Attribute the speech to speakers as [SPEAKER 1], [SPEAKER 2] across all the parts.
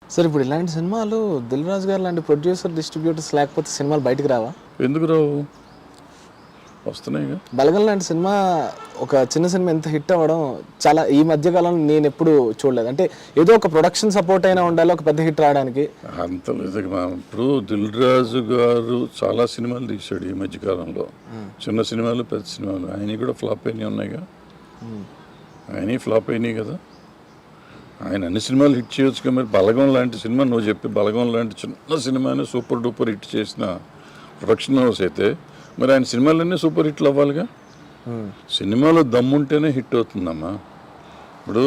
[SPEAKER 1] Sir ఇప్పుడు ఇలాంటి సినిమాలు దిల్ రాజు గారు లాంటి ప్రొడ్యూసర్ డిస్ట్రిబ్యూటర్స్ లేకపోతే సినిమాలు బయటకు రావా?
[SPEAKER 2] ఎందుకు రావు, వస్తున్నాయిగా.
[SPEAKER 1] బలగం లాంటి సినిమా ఒక చిన్న సినిమా ఎంత హిట్ అవ్వడం చాలా ఈ మధ్య కాలంలో నేను ఎప్పుడు చూడలేదు. అంటే ఏదో ఒక ప్రొడక్షన్ సపోర్ట్ అయినా ఉండాలి ఒక పెద్ద హిట్ రావడానికి.
[SPEAKER 2] అంత లేదు. ఇప్పుడు దిల్ రాజు గారు చాలా సినిమాలు తీశాడు ఈ మధ్యకాలంలో, చిన్న సినిమాలు పెద్ద సినిమాలు. ఆయన కూడా ఫ్లాప్ అయినాయి ఉన్నాయిగా, ఆయన ఫ్లాప్ అయినాయి కదా. ఆయన అన్ని సినిమాలు హిట్ చేయొచ్చు కదా. మరి బలగం లాంటి సినిమా నువ్వు చెప్పి బలగం లాంటి చిన్న సినిమాని సూపర్ డూపర్ హిట్ చేసిన ప్రొడక్షన్ హౌస్ అయితే మరి ఆయన సినిమాలన్నీ సూపర్ హిట్లు అవ్వాలిగా. సినిమాలో దమ్ముంటేనే హిట్ అవుతుందమ్మా. ఇప్పుడు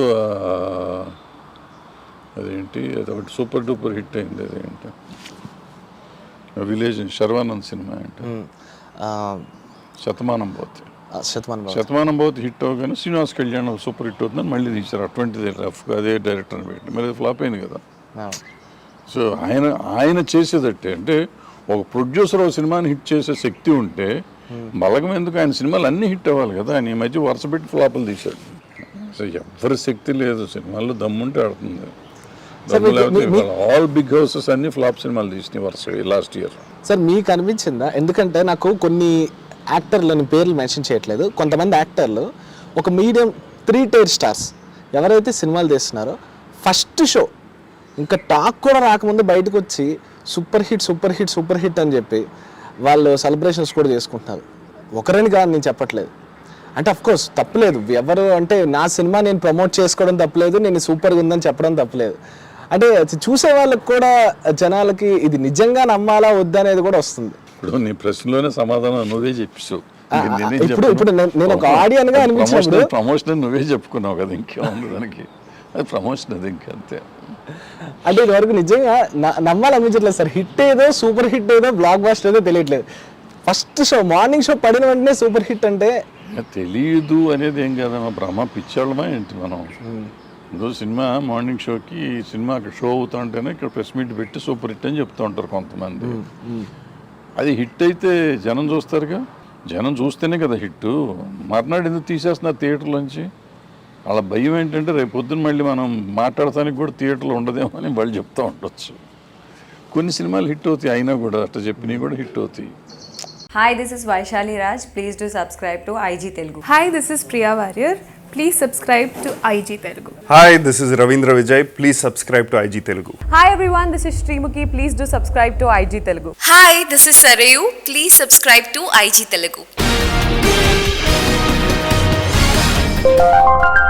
[SPEAKER 2] అదేంటి అదొకటి సూపర్ డూపర్ హిట్ అయింది, అదేంటి విలేజ్ శర్వానంద్ సినిమా ఏంటి, శతమానం పోతే. శతమానం పోతే హిట్ అవగానే శ్రీనివాస్ కళ్యాణ్ సూపర్ హిట్ అవుతుందని మళ్ళీ తీశారు. అటువంటిది రఫ్గా అదే డైరెక్టర్ని పెట్టి మరి ఫ్లాప్ అయింది కదా. సో ఆయన చేసేదట్టే అంటే ఒక ప్రొడ్యూసర్ ఒక సినిమాని హిట్ చేసే శక్తి ఉంటే బలగం ఎందుకు, ఆయన సినిమాలు అన్నీ హిట్ అవ్వాలి కదా. ఆయన ఈ మధ్య వరుస పెట్టి ఫ్లాపులు తీశాడు. సో ఎవరి శక్తి లేదు, సినిమాల్లో దమ్ముంటే ఆడుతుంది. ఆల్ బిగ్ హౌసెస్ అన్ని ఫ్లాప్ సినిమాలు తీసినాయి వరుస లాస్ట్ ఇయర్.
[SPEAKER 1] సార్ మీకు అనిపించిందా? ఎందుకంటే నాకు కొన్ని యాక్టర్లని పేర్లు మెన్షన్ చేయట్లేదు, కొంతమంది యాక్టర్లు ఒక మీడియం 3 tier స్టార్స్ ఎవరైతే సినిమాలు తీస్తున్నారో ఫస్ట్ షో ఇంకా టాక్ కూడా రాకముందు బయటకు వచ్చి super hit super hit super hit అని చెప్పి వాళ్ళు సెలబ్రేషన్స్ కూడా చేసుకుంటున్నారు. ఒకరని కాదు నేను చెప్పట్లేదు. అంటే అఫ్కోర్స్ తప్పలేదు, ఎవరు అంటే నా సినిమా నేను ప్రమోట్ చేసుకోవడం తప్పలేదు, నేను సూపర్గా ఉందని చెప్పడం తప్పలేదు. అంటే చూసే వాళ్ళకి కూడా జనాలకి ఇది నిజంగా నమ్మాలా వద్దా అనేది కూడా వస్తుంది.
[SPEAKER 2] ఇప్పుడు నీ ప్రశ్నలోనే సమాధానం నువ్వే చెప్పావు.
[SPEAKER 1] ఇప్పుడు నేను ఒక ఆడియన్ గా అనిపించినప్పుడు
[SPEAKER 2] ప్రమోషన్ నువ్వే చెప్పుకున్నావు కదా, ఇంకేముంది దానికి, అది ప్రమోషన్ అది ఇంకంతే.
[SPEAKER 1] అంటే ఇదివరకు నిజంగా నమ్మాలనిపించట్లేదు సార్. హిట్ ఏదో సూపర్ హిట్ ఏదో బ్లాక్ బాస్టర్ ఏదో తెలియట్లేదు. ఫస్ట్ షో మార్నింగ్ షో పడిన వెంటనే సూపర్ హిట్ అంటే
[SPEAKER 2] తెలియదు అనేది ఏం కాదమ్మా. బ్రహ్మ పిచ్చాళ్ళమా ఏంటి మనం? ఇంకో సినిమా మార్నింగ్ షోకి సినిమా అక్కడ షో అవుతా ఉంటేనే ఇక్కడ ప్రెస్ మీట్ పెట్టి సూపర్ హిట్ అని చెప్తూ ఉంటారు కొంతమంది. అది హిట్ అయితే జనం చూస్తారుగా, జనం చూస్తేనే కదా హిట్. మర్నాడు ఎందుకు తీసేస్తున్నారు థియేటర్లోంచి? వాళ్ళ భయం ఏంటంటే రేపు పొద్దున్న మళ్ళీ మనం మాట్లాడటానికి కూడా థియేటర్లో ఉండదేమో అని వాళ్ళు చెప్తూ ఉండొచ్చు. కొన్ని సినిమాలు హిట్ అవుతాయి, అయినా కూడా అట్లా చెప్పినవి కూడా హిట్ అవుతాయి.
[SPEAKER 3] Hi, this is Vaishali Raj. Please do subscribe to IG Telugu.
[SPEAKER 4] Hi, this is Priya Warrior. Please subscribe to IG Telugu.
[SPEAKER 5] Hi, this is Ravindra Vijay. Please subscribe to IG Telugu.
[SPEAKER 3] Hi everyone, this is Srimuki. Please do subscribe to IG Telugu.
[SPEAKER 6] Hi, this is Sarayu. Please subscribe to IG Telugu.